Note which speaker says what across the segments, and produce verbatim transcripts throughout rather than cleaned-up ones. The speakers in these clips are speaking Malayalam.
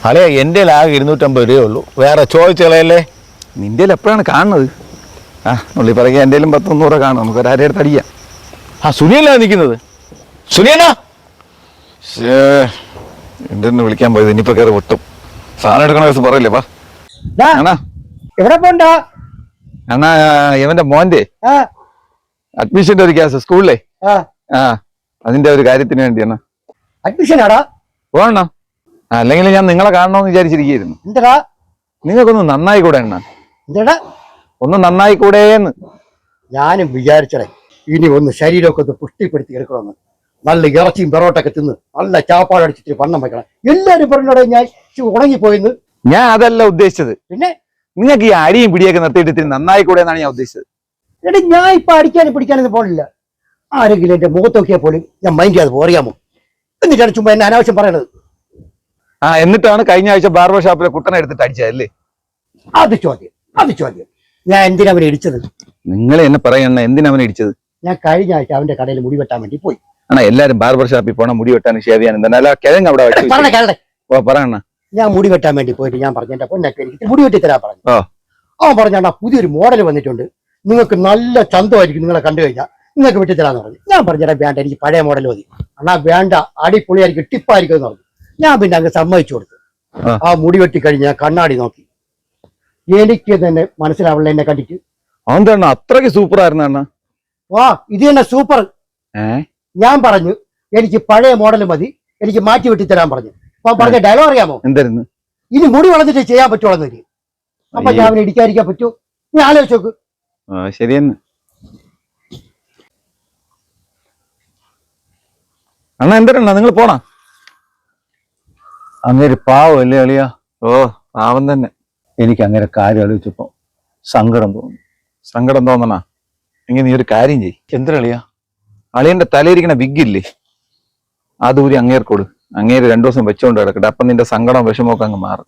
Speaker 1: അല്ലേ എൻ്റെ ആകെ ഇരുന്നൂറ്റമ്പത് രൂപയേ ഉള്ളൂ. വേറെ ചോദിച്ചളയല്ലേ.
Speaker 2: നിന്റെ എപ്പോഴാണ് കാണുന്നത്? ആ ഉള്ളി പറയ എൻ്റെലും പത്തൊന്നൂറ് കാണും, നമുക്ക് ഒരാരുടെ അടുത്ത് അടിക്കാം.
Speaker 1: ആ സുനിയല്ല നിൽക്കുന്നത്. സുനിയനാ
Speaker 2: എൻ്റെ ഒന്ന് വിളിക്കാൻ പോയത്, ഇനിയിപ്പോ കയറി പൊട്ടും. സാധനം എടുക്കണ ദിവസം പറയില്ലേ പാ. അണ്ണാ
Speaker 3: എവിടെ പോണ്ട
Speaker 2: അണ്ണാ, ഇവന്റെ മോന്റെ അഡ്മിഷന്റെ ഒരു കേസ് സ്കൂളിലെ ആ അതിന്റെ ഒരു കാര്യത്തിന് വേണ്ടി അണ്ണാ.
Speaker 3: അഡ്മിഷൻ ആടാ
Speaker 2: പോകണ. അല്ലെങ്കിൽ ഞാൻ നിങ്ങളെ കാണണമെന്ന് വിചാരിച്ചിരിക്കുന്നു.
Speaker 3: എന്താടാ
Speaker 2: നിങ്ങൾക്കൊന്ന് നന്നായി കൂടെ അണ്ണാ?
Speaker 3: എന്താടാ
Speaker 2: ഒന്ന് നന്നായി കൂടെന്ന്
Speaker 3: ഞാനും വിചാരിച്ചടേ ഇനി ഒന്ന് ശരീരമൊക്കെ ഒന്ന് പുഷ്ടിപ്പെടുത്തി എടുക്കണമെന്ന്. നല്ല ഇറച്ചിയും പെറോട്ടൊക്കെ തിന്ന് നല്ല ചാപ്പാട് അടിച്ചിട്ട് വണ്ണം വെക്കണം. എല്ലാരും പറഞ്ഞോടെ ഞാൻ ഉണങ്ങിപ്പോയിന്ന്.
Speaker 2: ഞാൻ അതല്ല ഉദ്ദേശിച്ചത്.
Speaker 3: പിന്നെ
Speaker 2: നിങ്ങൾക്ക് ഈ അടിയും പിടിയൊക്കെ നിർത്തിയിട്ട് ഇത്തിരി നന്നായി കൂടെ എന്നാണ് ഞാൻ ഉദ്ദേശിച്ചത്.
Speaker 3: എടാ ഞാൻ ഇപ്പൊ അടിക്കാനും പിടിക്കാനൊന്നും പോണില്ല. ആരെങ്കിലും എന്റെ മുഖത്ത് നോക്കിയാൽ പോലും ഞാൻ മൈൻഡ് ചെയ്യാതെ അറിയാമോ? എന്നിട്ടാണ് ചുമ്മാ എന്നെ അനാവശ്യം പറയണത്.
Speaker 2: ആ എന്നിട്ടാണ് കഴിഞ്ഞ ആഴ്ച ബാർബർ ഷോപ്പിലെ കുട്ടനെ എടുത്തിട്ട് അടിച്ചതല്ലേ?
Speaker 3: അത് ചോദ്യം അത് ചോദ്യം ഞാൻ എന്തിനാ അവനെ ഇടിച്ചത്?
Speaker 2: നിങ്ങൾ എന്നെ പറയണ എന്തിനാ അവനെ ഇടിച്ചത്?
Speaker 3: ഞാൻ കഴിഞ്ഞ ആഴ്ച അവന്റെ കടയിൽ മുടി വെട്ടാൻ വേണ്ടി പോയി.
Speaker 2: ആണോ എല്ലാരും ബാർബർ ഷോപ്പിൽ പോണ മുടി വെട്ടാനും ഷേവ് ചെയ്യാനും തന്നെ അല്ല കിഴങ്ങ് അവിടെ വെച്ച്
Speaker 3: പറഞ്ഞ കേളെ
Speaker 2: ഓ പറയണ.
Speaker 3: ഞാൻ മുടി വെട്ടാൻ വേണ്ടി പോയിട്ട് ഞാൻ പറഞ്ഞു എന്റെ പൊന്നൊക്കെ എനിക്ക് മുടി വെട്ടി തരാൻ പറഞ്ഞു.
Speaker 2: ഓ
Speaker 3: അവൻ പറഞ്ഞാ പുതിയൊരു മോഡൽ വന്നിട്ടുണ്ട്, നിങ്ങൾക്ക് നല്ല ചന്തമായിരിക്കും, നിങ്ങളെ കണ്ടു കഴിഞ്ഞാൽ നിങ്ങൾക്ക് വെട്ടി തരാന്ന് പറഞ്ഞു. ഞാൻ പറഞ്ഞാ വേണ്ട, എനിക്ക് പഴയ മോഡൽ മതി. അണ്ണാ വേണ്ട, അടിപൊളിയായിരിക്കും, ടിപ്പായിരിക്കും എന്ന് പറഞ്ഞു. ഞാൻ പിന്നെ അങ്ങ് സമ്മതിച്ചു കൊടുത്തു. ആ മുടി വെട്ടി കഴിഞ്ഞ് ഞാൻ കണ്ണാടി നോക്കി, എനിക്ക് തന്നെ മനസ്സിലാവില്ല എന്നെ കണ്ടിട്ട്.
Speaker 2: അതെന്താണ് അത്രയ്ക്ക് സൂപ്പർ ആയിരുന്നു അണ്ണ?
Speaker 3: വാ ഇത് തന്നെ സൂപ്പർ. ഞാൻ പറഞ്ഞു എനിക്ക് പഴയ മോഡൽ മതി, എനിക്ക് മാറ്റി വെട്ടി തരാൻ പറഞ്ഞു. അപ്പൊ പറഞ്ഞ ഡയലോഗ് അറിയാമോ?
Speaker 2: എന്തായിരുന്നു?
Speaker 3: ഇനി മുടി വളർന്നിട്ട് ചെയ്യാൻ പറ്റുള്ളൂ. അപ്പൊ ഞാൻ അവനെ ഇടിക്കാതിരിക്കാൻ പറ്റൂ? നീ ആലോചിച്ച് നോക്ക്.
Speaker 2: ശരിയെന്ന് അണ്ണ. എന്തരണ്ണ നിങ്ങൾ പോണ?
Speaker 1: അങ്ങേര് പാവം അല്ലേ അളിയാ?
Speaker 2: ഓ പാവം തന്നെ.
Speaker 1: എനിക്ക് അങ്ങനെ കാര്യം ആലോചിച്ചപ്പോ സങ്കടം തോന്നി.
Speaker 2: സങ്കടം തോന്നണ എങ്കിൽ നീ ഒരു കാര്യം ചെയ്.
Speaker 1: എന്തരളിയാ?
Speaker 2: അളിയന്റെ തലയിരിക്കണ വിഗില്ലേ, അതൂരി അങ്ങേർക്കോട്. അങ്ങേര് രണ്ടു ദിവസം വെച്ചോണ്ട് കിടക്കട്ടെ, അപ്പൊ നിന്റെ സങ്കടം വിഷമമൊക്കെ അങ്ങ് മാറും.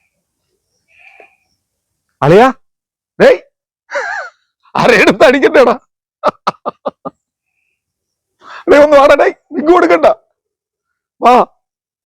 Speaker 2: അളിയാ ഡേയ് ആരെടുത്ത് അടിക്കണ്ടേടാ? ഒന്ന് വാടേ.